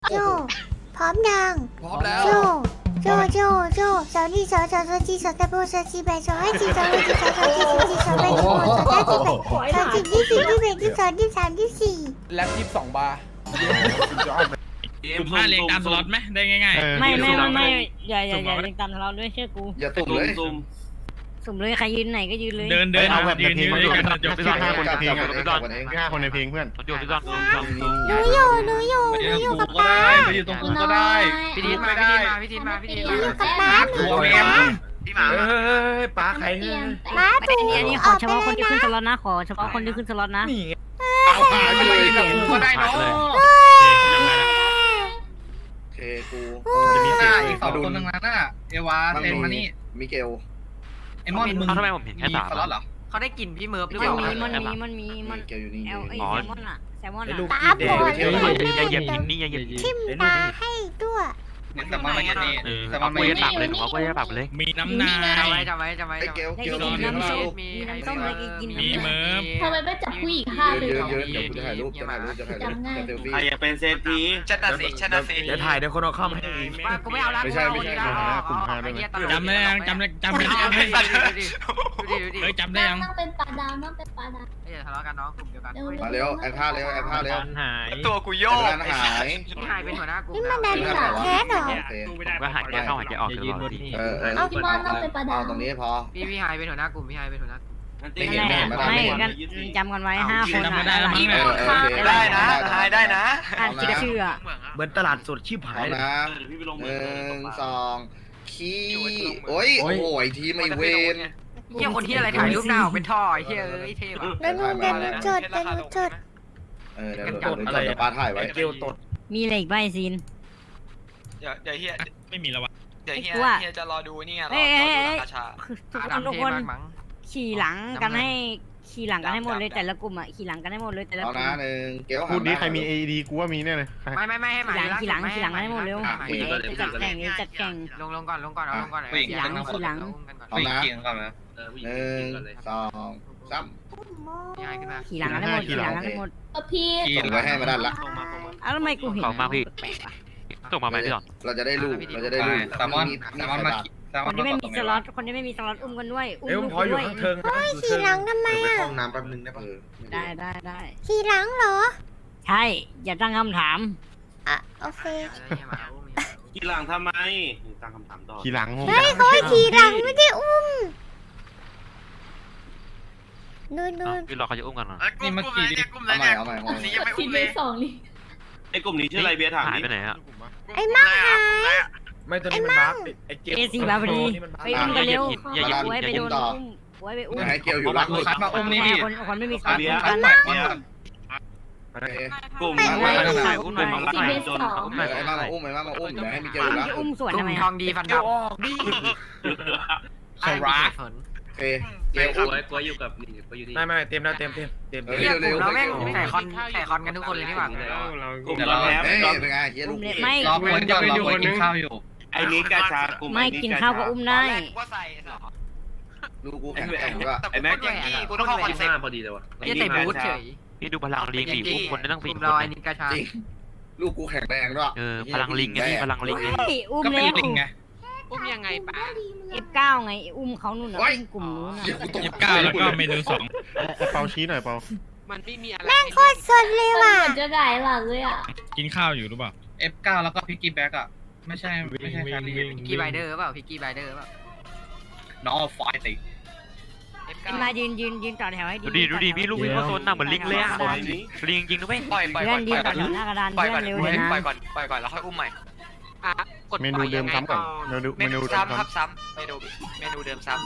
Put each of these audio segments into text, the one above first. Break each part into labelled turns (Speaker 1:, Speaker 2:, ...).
Speaker 1: โจพร้อมยัง
Speaker 2: พร้อมแล้ว
Speaker 1: โจสาวนี่สาวจีสาวตะโบสาวจีแบสาวให้จีสาวให้จีสาวจีสาวจีสาวแบสาวสาวจีแบสาวจีที่สี่ที่แบที่สองที่สามที่สี่
Speaker 2: แล็บ22 บาร์
Speaker 3: สุ่ม5เรียงตามสล็อตไหมได้ง่ายๆ
Speaker 4: ไม่อย่าเรียงตามเราด้วยเชื่อกู
Speaker 5: อย่าตุ่มเลย
Speaker 4: สุ่มเลยใครยืนไหนก็ยืนเลย
Speaker 3: เดิน
Speaker 6: เอาแบบ
Speaker 3: ยื
Speaker 6: ใน
Speaker 3: น
Speaker 6: เพล
Speaker 3: ยื
Speaker 6: ง
Speaker 3: น
Speaker 6: มา
Speaker 3: ด้
Speaker 6: ดู
Speaker 3: วยกันจบ
Speaker 6: พี่ซ่อน5คนในเพลงพี่ซ่อน5คนในเพลงเพื่อน
Speaker 3: จบพี่ซ่อน
Speaker 1: หนูอยู่กับป้า
Speaker 3: ไปอยู่ตรงกูก็ได้
Speaker 2: พี่ทีมาพี่ทีมา
Speaker 1: หนูอยู่กับป้าหนูอยู่กับป้า
Speaker 2: พี่หมาเฮ้ยป้าใครเฮ้ย
Speaker 1: ป้า
Speaker 4: อันนี้ขอเฉพาะคนที่ขึ้นสล็อตนะขอเฉพาะคนที่ขึ้นสล็อตนะ
Speaker 2: นี่เอาหาไปเลยกับกูก็ได้เนาะ
Speaker 5: เคกู
Speaker 6: จะมี
Speaker 2: ห
Speaker 6: เสีย
Speaker 2: น้าง อีก2คนนึงนั้นน่ะเอวาเซนมานี่
Speaker 5: มิเกล
Speaker 2: ไอ้มอนมึง
Speaker 3: ทำไมผมเห็นแค่สาม
Speaker 2: สล็อตเหรอ
Speaker 7: เขาได้กลิ่นพี่เมิร์ฟหรือ
Speaker 4: มั
Speaker 7: เป
Speaker 4: น
Speaker 7: ล่า
Speaker 4: มี
Speaker 5: มิเกลอยู่นี่
Speaker 4: แอลไอแซลมอนอ่ะ
Speaker 1: ป้าปวด
Speaker 3: อย่าเหยียบหินนี่อย่าเหยียบหิน
Speaker 1: ทิมตาให้ด้วย
Speaker 2: เนี่ยแต่มันมาอย่างนี้ แต่มั
Speaker 3: เอา
Speaker 2: น
Speaker 3: ไป
Speaker 2: ไม่
Speaker 3: ปรับเลยเอาไปปรับเลย มีน้ำหนา
Speaker 7: จำไว้จำไว้จำไว้
Speaker 5: ไอ้เกล
Speaker 4: ได้
Speaker 5: เกล
Speaker 4: กิน
Speaker 5: เกล
Speaker 4: น้ำส้ม
Speaker 7: มี
Speaker 4: น้ำส้มเลยกิน
Speaker 3: มีเมิร์ฟ
Speaker 8: ทำไมไม่จับผู้หญิงฆ่าเลย
Speaker 5: เย
Speaker 8: เหร
Speaker 5: อะ
Speaker 8: อ
Speaker 5: เยอะเดี๋ยวกูจะถ่ายรูปจะถ่ายรูปจะเซลฟี่
Speaker 6: อย่าเป็นเซฟที
Speaker 7: ชัดนะสิชัดนะสิ
Speaker 2: จะถ่ายเดี๋ยวคนเอาเข้ามาให้
Speaker 7: กูไม่เอาละจำได้ยัง
Speaker 4: จำได้ยัง
Speaker 7: ดูดิ
Speaker 3: เฮ้ยจำได้ยัง
Speaker 8: นั่งเป็นปลาดาวนั่งเป็นปลาดาว
Speaker 7: อย่าทะเลาะกันน้องกลุ่มเดียวกัน
Speaker 5: มาเร็วแอนท่าเร็วแอนท่าเร็ว
Speaker 3: หาย
Speaker 7: ตัวกูโยก
Speaker 5: แอนหาย
Speaker 7: พี่หายเป็นหัวหน้ากลุ่ม
Speaker 1: นี่มันดันหาแค้นเหรอ
Speaker 3: ก็หายใจเข้าหายใจออกตลอดพี่
Speaker 8: พี่มอนนั่งเป็นปลาดา
Speaker 5: เอา
Speaker 8: ว
Speaker 5: ตรงนี้พอ
Speaker 7: พี่หายเป็นหัวหน้ากลุ่มพี่หายเป็นหัวหน้ากลุ่ม
Speaker 4: ไม่กันจำกันไว้5 คนอ่ะ
Speaker 7: ได้นะหายได้นะ
Speaker 4: อ่านชื่ออ่ะ
Speaker 2: เหมือนตลาดสดชิบหา
Speaker 5: เอา
Speaker 2: ย
Speaker 5: นะ1 2ขี้โอ้ยโอ้ยทีมไอเวน
Speaker 7: เฮียคนที่อะไรถ่ายรูปหน้าเป็นท่อเฮียเท่ว่ะ
Speaker 1: เดี๋ยวหนูจด
Speaker 5: เดี๋ยวป้าถ่ายไว้
Speaker 2: เกลตด
Speaker 4: มีอะไรอีกใบซีน
Speaker 7: เดี๋ยวเฮีย
Speaker 3: ไม่มีแล้ววะ
Speaker 7: เดี๋ยวเฮียจะรอดูนี่ไงรอดูราคาชา
Speaker 4: ทุกคนขี่หลังกันให้หมดเลยแต่ละกลุ่มอ่ะขี่หลังกันให้หมดเลยแต่ละ
Speaker 5: เอา
Speaker 4: กลุ่
Speaker 5: นะ
Speaker 4: ม
Speaker 5: 1เกล
Speaker 6: พูดนี้ใครมี AED กูว่ามีแน่เลย
Speaker 7: ไม่ให้หมา
Speaker 4: ขี่หลังให้หมดเร็วจัดแข่งจัดแข่ง
Speaker 7: ลงก่อนเอาลงก่อน
Speaker 5: เอานะ1 2 3
Speaker 7: พี่หายขึ้นมา
Speaker 4: ขี่หลังกันให้หมด
Speaker 8: พี่
Speaker 5: ไว้ให้มาด้านละ
Speaker 4: อ้าวทำไมกูเห็น
Speaker 3: ส่งมาพี่ส่งมาไหมพี่หรอ
Speaker 5: เราจะได้รูป
Speaker 2: แซลมอนมาแซลม
Speaker 4: ค
Speaker 2: อน
Speaker 4: นที่
Speaker 2: มา
Speaker 4: ไม่
Speaker 2: ต
Speaker 4: มี
Speaker 2: ก
Speaker 4: สล็อตคนที่ไม่มีสล็อตอุ้มกันด้วยอุ้
Speaker 2: เอ้ยผม
Speaker 4: ม
Speaker 2: ขออยู่
Speaker 4: ด้วย
Speaker 2: ข้างเทิงนะ
Speaker 1: ขี่หลังทำไม
Speaker 5: ไป
Speaker 1: อ่ะ
Speaker 5: ห้องน้ำแป๊บนึงได้ปะ
Speaker 4: ได้
Speaker 1: ขี่หลังเหรอ
Speaker 4: ใช่อย่าตั้งคำถาม
Speaker 1: อ่ะโอเค
Speaker 6: ขี่หลังทำไมตั้งคำถามต่อขี่หลัง
Speaker 1: เฮ้ยเขาให้ขี่หลังไม่ได้อุ้มนู่น
Speaker 3: พี่รอเขาจะอุ้มกันเหรอ
Speaker 2: นี่เมื่อกี้
Speaker 5: เอาใหม่เอาใหม่เอาใหม่
Speaker 8: ทีเบส2นี่
Speaker 6: ไอ้กลุ่มนี้ชื่ออะไรเบียร์ถาม
Speaker 3: หายไปไหนอ่ะ
Speaker 1: ไอ้มั่งหาย
Speaker 2: ไม่ตัวนี้มันบัฟไอ้เกล
Speaker 4: เอซีมาพอดีไปอุ้มกันเร็วไว้ไปโดนอุ้มไว้ไปอุ้ม
Speaker 5: ให้เกลอยู่หลังสุด
Speaker 2: คัดมาอุ้มนี่ดิ
Speaker 4: คนไม่มีสล็อต
Speaker 6: เบียร์
Speaker 4: กัน
Speaker 6: เนี่ยกลุ่ม
Speaker 3: อุ้มหน่อยอุ้มหน่อย
Speaker 8: ทีเบส2
Speaker 3: อุ้มหน่อย
Speaker 5: ไอ้มาอุ้มเดี๋ยวให้มิเกลอยู่หลัง
Speaker 4: ที่อุ้มสวน
Speaker 7: กลุ่
Speaker 4: ทำไม
Speaker 7: มทองดีฟันดับ
Speaker 2: สรัก
Speaker 5: โอเคเกลอุ้ม
Speaker 2: ไม่เต็มแล้วเต็ม
Speaker 7: เฮียกลุ่มเราแม่งใส่คอนกันทุกคนเลยนี่หว่า
Speaker 6: กลุ่มเราแพ้
Speaker 5: เฮ้ยเป็นไงเฮียลูก
Speaker 4: ไม่
Speaker 2: รอเพื่อนก่อนรอเพื่อนกินข้าวอยู่
Speaker 6: ไอ้นิกกาชากลุ่ม
Speaker 4: ไม่กินข้าวก็อุ้มได้
Speaker 7: ว่าใส่เหรอ
Speaker 5: ลูกกูแข็งแรงด้วย
Speaker 7: ไอ้แม็กอย่างนี้กูต้องเข้าคอนเซ็ปต์
Speaker 6: พอดีเลยวะ
Speaker 7: เฮียใส่บูทเฉย
Speaker 3: พี่ดูพลังลิงดิอุ้มคนได้ตั้ง
Speaker 7: กลุ่
Speaker 3: 4
Speaker 7: ม
Speaker 3: ค
Speaker 7: เรา
Speaker 3: น
Speaker 7: ไอ้นิกาชา
Speaker 5: จริงลูกกูแข็งแรงด้วย
Speaker 3: พลังลิงไงพี่พลังลิงไง
Speaker 4: อุ้ม
Speaker 2: ก็เป็
Speaker 4: แล้
Speaker 2: น
Speaker 4: ว
Speaker 2: ลิงไง
Speaker 7: อุ้มยังไงป้า
Speaker 4: F9 ไงอุ้มเขานู่นน่ะอุ้มกลุ่มนู้นน่ะ
Speaker 3: 29แล้วก็เมนู2
Speaker 6: เปาชี้หน่อยเปา
Speaker 7: มันไม่มีอะไร
Speaker 1: แม่งโคตรสดเลย
Speaker 8: มัน
Speaker 1: ว่ะ
Speaker 8: เหมือนจะหงายหลังเลยอ่ะ
Speaker 3: กินข้าวอยู่หรือเปล่า
Speaker 2: F9 แล้วก็พิกกี้แบ็กอ่ะไม่ใช่แครี่
Speaker 7: พิกกี้ไบเดอร์เปล่าพิกกี้ไบเดอร์เปล่า
Speaker 2: น้องไฟติ
Speaker 4: มายืนต่อแถวให้ดี
Speaker 3: ดูดิพี่ลูกพี่เขาโซนหน้าเหมือนลิงเลยอ่ะลิงจริงด้วย
Speaker 7: ปล่อย
Speaker 4: เพื่อนยืนต่อแถวหน้ากระดาน
Speaker 7: ปล่อย
Speaker 4: เพื่
Speaker 7: ก่
Speaker 4: อ
Speaker 7: อน
Speaker 4: นเร็วเลยนะ
Speaker 7: ปล่อยก่อนแล้วค่อยอุ้มใหม่กด
Speaker 6: เมนูเดิมซ้ำก่อนเมนูเดิม
Speaker 7: ซ้ำค
Speaker 6: ซ้
Speaker 7: รับซ้ำเมนูเดิมซ้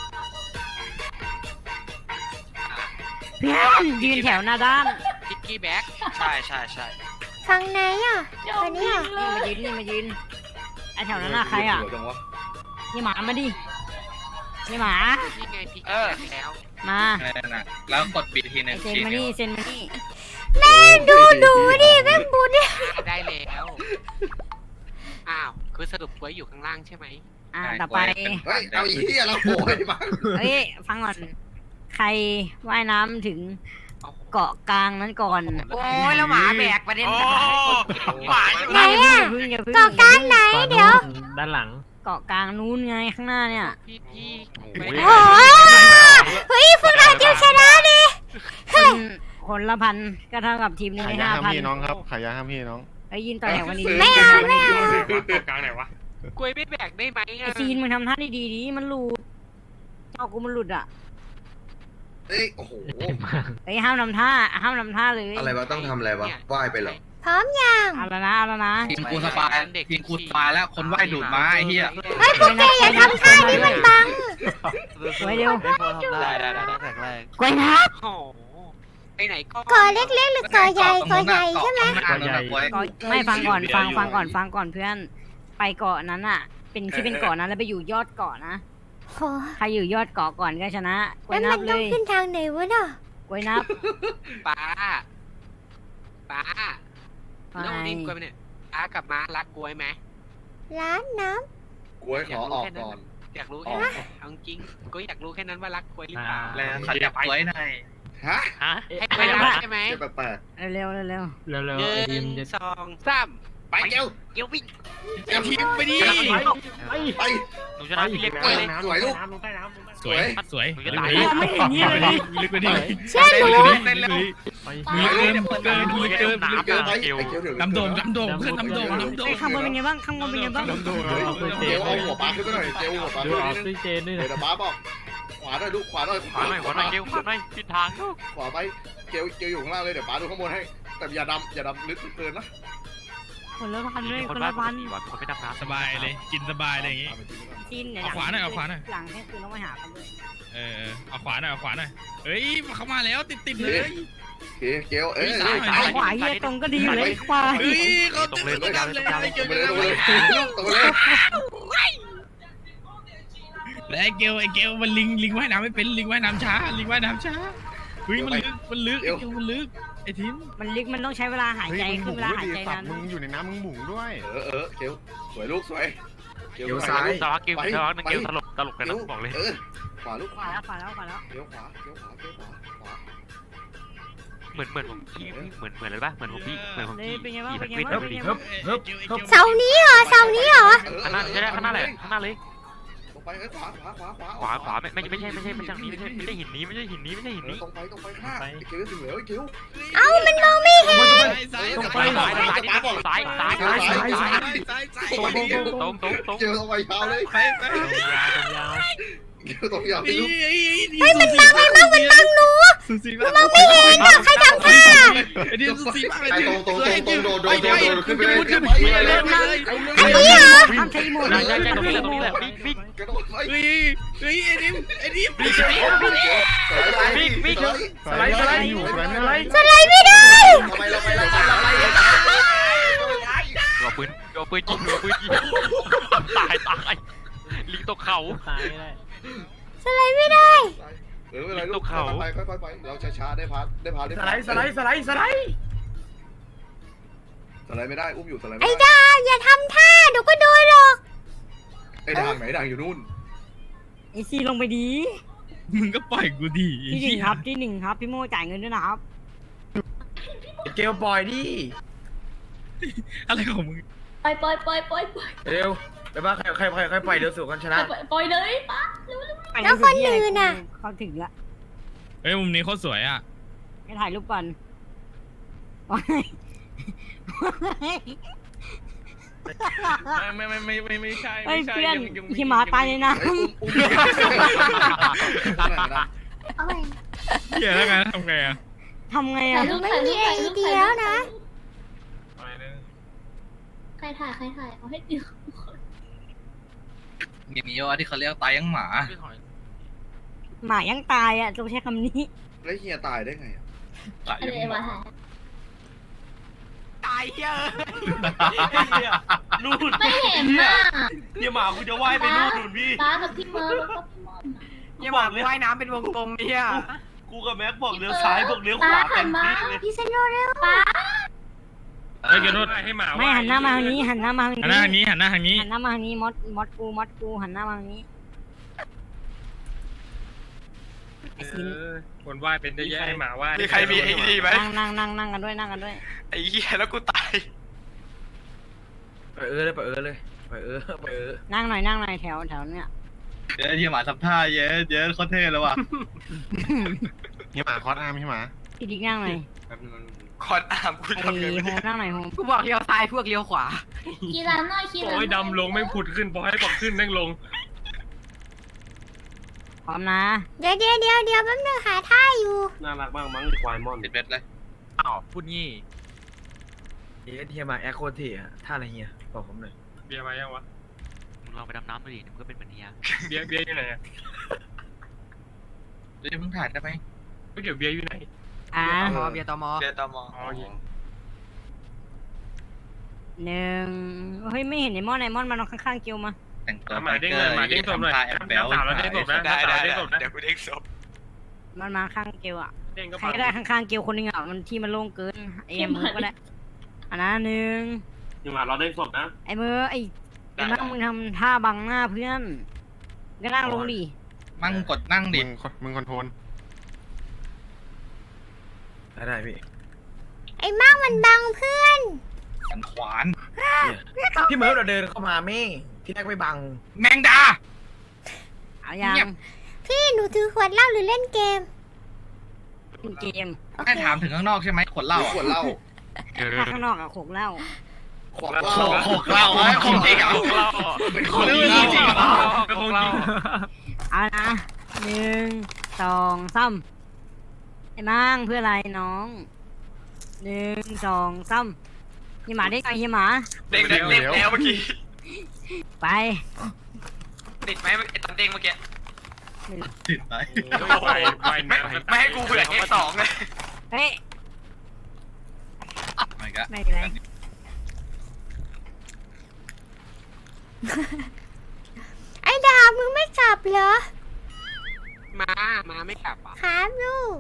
Speaker 4: เพื่อนยืนแถวหน้าด้าน
Speaker 7: ำพิกกี้แบ็กใช่
Speaker 1: ฟังไหนอ่ะคนนี้อ่ะ
Speaker 4: นี่มายืนไอแถวนั้นน่ะใครอ่ะนี่หมามาดินี่หมา
Speaker 7: นี่ไงพิกแล้ว
Speaker 4: มา
Speaker 2: แล้วกดบีทีนึง
Speaker 4: เซ็นมานี่เซ็นมานี่
Speaker 1: แม่ดูดิแม่บูดิ
Speaker 7: ได้แล้วอ้าวคือสรุปไว้อยู่ข้างล่างใช่ไหม
Speaker 4: ต่อไป
Speaker 5: เฮ้ยเอาอีเหี้ยแล้วโอยมา
Speaker 4: เฮ้ยฟังก่อนใครว่ายน้ำถึงเกาะกลางนั้นก่อน
Speaker 7: โอ้ยแล้วหมาแบกประเด็น
Speaker 6: หมา
Speaker 1: ไหนอะ
Speaker 4: อย่าพึ่ง
Speaker 1: เกาะกลางไหนเดี๋ยว
Speaker 3: ด้านหลัง
Speaker 4: เกาะกลางนู้นไงข้างหน้าเนี่ย
Speaker 7: พี่
Speaker 1: โอ้ยเฮ้ยพวกเราจะชนะดิ
Speaker 4: คนละพันก็เท่ากับทีมหนึง
Speaker 9: ขาย
Speaker 4: ได้
Speaker 9: ยาห้าม
Speaker 4: 5,000
Speaker 9: พี่น้องครับขายยาห้ามพี่น้อง
Speaker 4: ไอ้ยินต่อแถววันนี้
Speaker 1: ไม่เอาไม่เอา
Speaker 3: กลางไหนวะ
Speaker 7: กล้วยไม่แบกได้ไหม
Speaker 4: ไอ้ซีนมึงทำท่าดีๆดิมันหลุดเอากูมันหลุดอ่ะ
Speaker 5: เอ้ยโอ้โห
Speaker 4: ไอ้ยห้ามทำท่าเลย
Speaker 5: อะไรวะต้องทำอะไรวะว่ายไปเหรอ
Speaker 1: พร้อมยัง
Speaker 4: เอาแล้วนะ
Speaker 2: ทีมกูสบายทีมกูสบายแล้วคนไหว้ดูดมาไอ้เหี้ย
Speaker 1: เฮ้ยพวกแกอย่าทำท่านี้มันบัง
Speaker 4: ไว้เร็ว
Speaker 3: ได้แข็งแรง
Speaker 4: กวยนับ
Speaker 7: โอ้ไปไหนก็
Speaker 1: ก่อเล็กๆหรือก่อใหญ่ก่อใหญ่ใช่ไหม
Speaker 4: ไม่ฟังก่อนเพื่อนไปเกาะนั้นอ่ะ เป็นที่เป็นเกาะนั้นแล้วไปอยู่ยอดเกาะนะ
Speaker 1: โห
Speaker 4: ใครอยู่ยอดเกาะก่อนก็ชนะกว
Speaker 1: แล้
Speaker 4: ยว นั
Speaker 1: มั
Speaker 4: บ
Speaker 1: น
Speaker 4: เล
Speaker 1: ต้อง
Speaker 4: ย
Speaker 1: ขึ้นทางไหนวะเนาะ
Speaker 4: กวยนับ
Speaker 7: ป้า
Speaker 4: ไป
Speaker 7: แล้ววันนี้กล้วยไปเนี่ยป้ากับม้ารักกล้วยไหม
Speaker 1: ร้านน้
Speaker 5: กล้วยขอออกก่อน
Speaker 7: อยากรู้แค่นั้นเอาจริงก็อยากรู้แค่นั้นว่ารักกล้วยหรือเปล่า
Speaker 2: แล้วขยับไว้หน่อย
Speaker 5: ฮะ
Speaker 3: ฮะ
Speaker 7: ให้กล้วยรักใช่ไหม
Speaker 5: เจะแปลก
Speaker 4: เร็ว
Speaker 3: เร็ว
Speaker 7: หนึ่งสองสาม
Speaker 5: ๆไปเกล
Speaker 7: เดี๋ยววิ่ง
Speaker 5: เกลทีมไปดิไป
Speaker 3: หนูชนะพี่เล็ก
Speaker 5: ไป
Speaker 3: เลย
Speaker 5: สวยลูก
Speaker 2: สวย
Speaker 3: สวย
Speaker 4: ไม่เห็นนี่เลย
Speaker 3: ลึกไปดิ
Speaker 1: ำเชื่อหนู
Speaker 2: เต้นเร็ว
Speaker 3: เกินน้ำ
Speaker 5: เกลไป
Speaker 3: เกล
Speaker 5: ไอ้เกลเดี๋ยว
Speaker 2: น้ำโด่งเพื่อนน้ำโด่ง
Speaker 4: ไอ้ข้างบนเป็นไงบ้าง
Speaker 5: เกลเอาหัวปลาขึ้นไปหน่อยเกลหัวปลาขึ้นไปนิดนึงเดี๋ยวปลาบอกขวาหน่อยลูกขวาหน่อย
Speaker 3: ขวาหน่อยเกลขวาหน่อยผิดทาง
Speaker 5: ขวาไปเกลอยู่ข้างล่างเลยเดี๋ยวปลาดูข้างบนให้ แต่อย่าดำลึกเกินนะ
Speaker 4: คนละพันเลย
Speaker 3: ค
Speaker 4: คน น
Speaker 3: บ้า
Speaker 4: ละ
Speaker 3: พั
Speaker 4: พั
Speaker 3: น
Speaker 4: น
Speaker 3: คนไม่ดับน้ำ
Speaker 10: สบายเลยกินสบายเลยอย่างงี้
Speaker 4: จีนเนี่ย
Speaker 10: เอาขวาหน่อย
Speaker 4: หลังเที่ยงคืนต้องไปหากันด้วย
Speaker 10: เอาขวาหน่อยเฮ้ยเขามาแล้วติดเลย
Speaker 5: เกลเอ้ย
Speaker 4: ขวาเยี่ยตรงก็ดีอยู่เลยขวา
Speaker 10: เฮ้ยเขา
Speaker 3: ตรงเลย
Speaker 10: ติดเลยเกี่ยว
Speaker 5: ตรง
Speaker 10: กัน
Speaker 5: เลยตรงเลย
Speaker 10: และไอ้เกลมันลิงว่ายน้ำไม่เป็นลิงว่ายน้ำช้าเฮ้ยมันลึกไอ้เกลมันลึกไอ้ทิม
Speaker 4: มันลึกมันต้องใช้เวลาหายใจคือเวลาหายใจนั้น
Speaker 9: มึงอยู่ในน้ำมึงหมุนด้วย
Speaker 5: เกลสวยลูกสวย
Speaker 3: เกลซ้ายสวัสดีเกลนึงเกลตลกกันนะบอกเลย
Speaker 5: ขวาลูก
Speaker 4: ขวาแล้ว
Speaker 5: เกลขวา
Speaker 3: เหมือนผมพี่เหมือนเลยป่ะเหมือนผมพี่เหมือนผม
Speaker 4: เลย
Speaker 3: พี่
Speaker 4: เป็นไงบ้าง
Speaker 3: ขี่
Speaker 4: เป็นไง
Speaker 3: มัน
Speaker 4: บ้าง
Speaker 3: วิ่ง
Speaker 4: เป็นไงบ้าง
Speaker 1: เสานี้เหรอ
Speaker 3: ข้างหน้าใช่ได้ข้างหน้าเลยข้างหน้าเลย
Speaker 5: ตรงไปขวา
Speaker 3: ขวาไม่ใช่ทางนี้ไม่ใช่หินนี้ไม่ใช่หินนี้
Speaker 5: ตรงไปข้างเกลถึงแล้วเกล
Speaker 1: เอ้ามันมองไม่เห็น
Speaker 10: ซ้าย
Speaker 3: ตรงไปซ้ายตรง
Speaker 5: เกลตรงไปยาวเลย
Speaker 10: ไป
Speaker 5: เกลตรงยาว
Speaker 10: เฮ้
Speaker 5: ลูก
Speaker 10: ยมันบังหนูสุสีมากมองไม่เห็น
Speaker 1: ใครทำท่า
Speaker 10: ไอ้ดิสุสีมาก
Speaker 5: ตรงโดนขึ้นไปเลย
Speaker 1: อันนี้เหรอ
Speaker 4: ทำใช้โมด
Speaker 3: ใช่ตรงนี้แหละบิ๊ก
Speaker 5: กระโดดไป
Speaker 10: เฮ้ยไอ้ดิม
Speaker 9: สไลด์อยู่สไลด์ไม่ได้
Speaker 1: สไลด์ไม่ได้
Speaker 3: เอาปืนยิงตายลิงตกเขา
Speaker 1: สไลด์ไม่ได้
Speaker 5: เวลาลูกเขาไปค่อยๆเราช้าๆได้พาสไลด์ไม่ได้อุ้มอยู่สไลด์
Speaker 1: ไอ้ดาอย่าทำท่าเดี๋ยวก็โดนหรอก
Speaker 5: ไอ้ด่างไหนด่างอยู่นู่น
Speaker 4: ไอซีลงไปดี
Speaker 10: มึงก็ปล่อยกูดี
Speaker 4: ที่1ครับพี่โมจ่ายเงินด้วยนะครับ
Speaker 6: เกลปล่อยดิ
Speaker 10: อะไรของมึง
Speaker 8: ปล่อย
Speaker 6: เร็วไปบ้าใครปล่อยเร็วสุดกันชนะ
Speaker 8: ปล่อยเลยป้า
Speaker 1: แล้วคนอื่นน่ะ
Speaker 4: เขาถึงละ
Speaker 10: เฮ้ยมุมนี้โคตรสวยอ่ะ
Speaker 4: ไปถ่ายรูปก่อน
Speaker 10: ไม่ใช่
Speaker 4: เฮ้ยเพื่อนขี่หมาตายเลยนะ
Speaker 1: เอาไป
Speaker 10: เหี้ยแล้วไงทำไงอ่ะ
Speaker 4: ทำไง
Speaker 8: ถ่า
Speaker 4: อ่ะ
Speaker 8: ยรูป
Speaker 1: ไม่มีไอเดียแล้วนะ
Speaker 8: ใครถ่ายเอาให้ดิว
Speaker 2: อย่างนี้ว่าที่เขาเรียกตายยังหมา
Speaker 4: หมายังตายอ่ะต้องใช้คำนี้
Speaker 5: แล้วเฮียตายได้ไง
Speaker 2: ตาย
Speaker 8: อะไร
Speaker 2: ยังห
Speaker 8: วะ
Speaker 2: มา
Speaker 8: ถ่าย
Speaker 6: ตายเยอะนู่น
Speaker 8: ไม่เห็นน่ะ
Speaker 6: เนี่ยหมากูจะว่ายไปนู่นพี่
Speaker 8: ป้ากับพี่เมิร์แล้วก็พี่มอน
Speaker 6: อย่าบอกเลยว่ายน้ำเป็นวงกลมเนี่ยกูกับแม็กบอกเลี้ยวซ้ายบอกเลี้ยวขวาเต็มที่เลย
Speaker 1: พี่เซนโนเร็ว
Speaker 8: ป้า
Speaker 10: เฮ้ยเกโนดให้หมา
Speaker 4: ไม่หันหน้ามาทางนี้หันหน้ามาทาง
Speaker 10: หันหน้าทาง
Speaker 4: นี้
Speaker 10: นี้หันหน้าทางนี้
Speaker 4: หันหน้ามาทางนี้มดกูหันหน้ามาทางนี้ไอ้ซิน
Speaker 10: คนว่ายเป็นได้แย่หมาว่าย
Speaker 6: มีใครมีไอ้นี่ไหม
Speaker 4: นั่งกันด้วยนั่งกันด้วย
Speaker 6: ไอ้เหี้ยแล้วกูตาย
Speaker 10: ไปเลยไป
Speaker 4: นั่งหน่อยแถวเนี้ย
Speaker 2: เดี๋ยวที่หมาทำท่าเยอะโคตรเท่แล้วว่ะ
Speaker 9: พี่หมาคอสอาร์มพี่หมา
Speaker 4: พี่ดิ๊กนั่งหน่อย
Speaker 6: คอนอาร์มกู
Speaker 4: ไอ้
Speaker 6: ทำไงไม่
Speaker 4: โฮ
Speaker 6: ได้
Speaker 4: มนั่งหน่อยโฮม
Speaker 7: กูบอกเลี้ยวซ้ายพวกเลี้ยวขวา
Speaker 8: ขี่ร้านหน่อยขี่ร้าน
Speaker 10: โอ้ยดำลงไม่ผุดขึ้นพอให้บอกขึ้นแม่งลง
Speaker 4: พร้อมนะ
Speaker 1: เดี๋ยวแป๊บนึงหาท่าอยู่
Speaker 10: น่ารักมากมั้งควายมอน
Speaker 2: ติดเบ็ดเลย
Speaker 3: อ้าวพูดงี้
Speaker 10: เทียมาแอคโคทีอะท่าอะไรเฮียบอกผมหน่อยเบียร์มายังวะ
Speaker 3: มึงลองไปดำน้ำดูดิมึงก็เป็นเหมือนเฮีย
Speaker 10: เบียร์อยู่ไหนอะ
Speaker 2: เดี๋ยวเพิ่งถ่ายได้ไหม
Speaker 10: ไม่เดี๋ยวเบียร์อยู่ไหน
Speaker 4: อ่ะ
Speaker 7: เบียร์ตอมอ
Speaker 6: เบียร์ตอมอ
Speaker 10: อ๋อโอเค
Speaker 4: หนึ่งเฮ้ยไม่เห็นไอ้มอนมันนอนข้างๆเกียวมา
Speaker 2: แต่งตัว
Speaker 10: หมาเด้งเลยหมาเด้งศพหน่อย
Speaker 2: ทำท่าแอบแบ๊ว
Speaker 10: น้ำสาวเราเด้งศพนะ
Speaker 6: ได้ได้
Speaker 10: เด้งศพนะ
Speaker 6: เดี๋ยวกูเด้งศพ
Speaker 4: มันมาข้างเกียวอ่ะ
Speaker 10: เด้งก็
Speaker 4: ใครก็ได้ข้างๆเกียวคนหนึงอ่ะมันที่มันโล่งเกินไอ้มือก็ได้อันนั้นหนึ่ง
Speaker 10: ยังหมาเราเด้งศพนะ
Speaker 4: ไอ้มือไอ้นั่งมึงทำท่าบังหน้าเพื่อนก็นั่งลงดิ
Speaker 2: มั่งกดนั่งดิ
Speaker 9: มึงคอนโทรล
Speaker 10: ได้พี่
Speaker 1: ไอ้มั่งมันบังเพื่อน
Speaker 2: สันขวาน
Speaker 10: พี่เมิร์ฟเราเดินเข้ามาเม่ที่แรกไม่บัง
Speaker 2: แมงดา
Speaker 4: เอายัง
Speaker 2: เงียบ
Speaker 1: พี่หนูถือขวดเหล้าหรือเล่นเกม
Speaker 4: เล่นเกม
Speaker 1: โอเค
Speaker 2: ให้ถามถึงข้างนอกใช่ไหมขวดเหล้า
Speaker 5: ขวดเหล้า
Speaker 4: ถ้าข้างนอกอะโขกเหล้า
Speaker 5: ขวดเหล้า
Speaker 2: ขวดเหล้าของจริงอ่ะ
Speaker 5: เป็นข
Speaker 2: ขว
Speaker 5: ว
Speaker 2: ด
Speaker 5: ด
Speaker 2: เห
Speaker 5: เห
Speaker 2: ล้า
Speaker 5: ล้า
Speaker 2: จริงเหรอ
Speaker 10: ก็คงจริง
Speaker 4: เอานะหนึ่งสองสามไอ้มั่งเพื่ออะไรน้องหนึ่งสองสามเฮียหมาได้ไงเฮียหมา
Speaker 6: เด้งแล้วเมื่อกี้
Speaker 4: ไป
Speaker 6: ติดไหมไอ้ตอนเด้งเมื่อกี้
Speaker 2: ติดไป
Speaker 6: ไม่ให้กูเผื่อแค่สองเลย
Speaker 4: เฮ้ย
Speaker 2: ไม่ก็
Speaker 4: ไม่เป็นไร
Speaker 1: ไอ้ดาบมึงไม่กลับเหรอ
Speaker 7: ม้าไม่กลับอ่ะ
Speaker 1: ครับลูก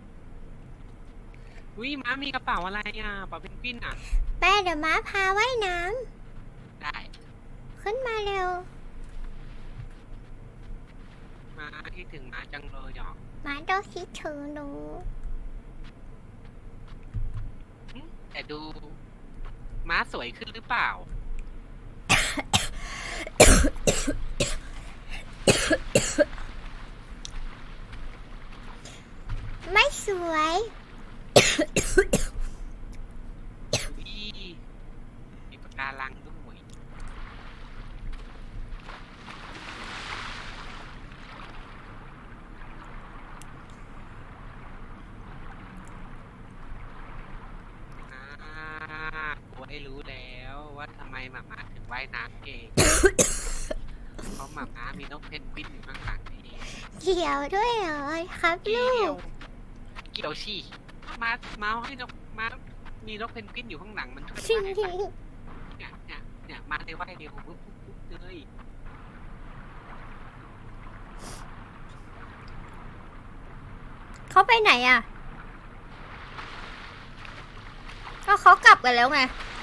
Speaker 7: อุ้ยม้ามีกระเป๋าอะไรอ่ะกระเป๋าเพนกวินอ่ะ
Speaker 1: แม่เดี๋ยวม้าพาว่ายน้
Speaker 7: ได้
Speaker 1: ำขึ้นมาเร็ว
Speaker 7: ม้าคิดถึงม้าจังเลยอ่ะ
Speaker 1: ม้าต้องคิดถึงหนู
Speaker 7: แต่ดูม้าสวยขึ้นหรือเปล่า
Speaker 1: ไม่สวย
Speaker 7: มีปากการังด้วยกูได้รู้แล้วว่าทำไมหมาม้าถึงว่ายน้ำเก่ง เพราะหมาม้ามีนกเพนกวินอยู่ข้างหลังนี่
Speaker 1: เกี่ยวด้วยเหรอครับลูก
Speaker 7: เกี่ยวชี่ม้าให้นกม้ามีนกเพนกวินอยู่ข้างหลังมันช่วย
Speaker 1: จริง
Speaker 7: ได้
Speaker 1: จริ
Speaker 7: ปะ
Speaker 1: ง
Speaker 7: เนี่ยมาได้ว่ายเร็วปุ๊บเลย
Speaker 1: เขาไปไหนอ่ะ ก็เขากลับกันแล้วไง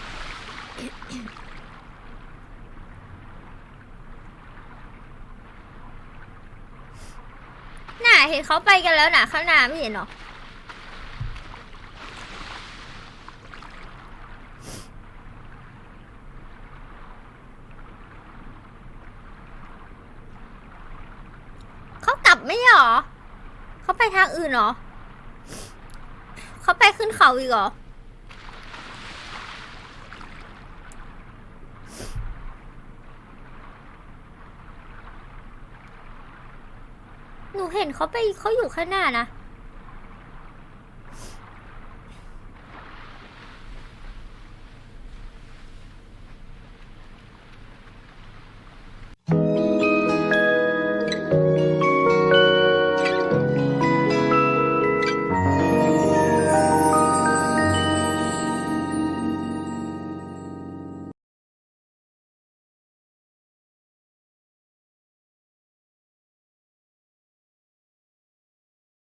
Speaker 1: น่ะเห็นเขาไปกันแล้วน่ะข้างหน้าไม่เห็นหรอ เขากลับไม่ใช่หรอ เขาไปทางอื่นเหรอ เขาไปขึ้นเขาอีกเหรอ หนูเห็นเขาอยู่ข้างหน้านะ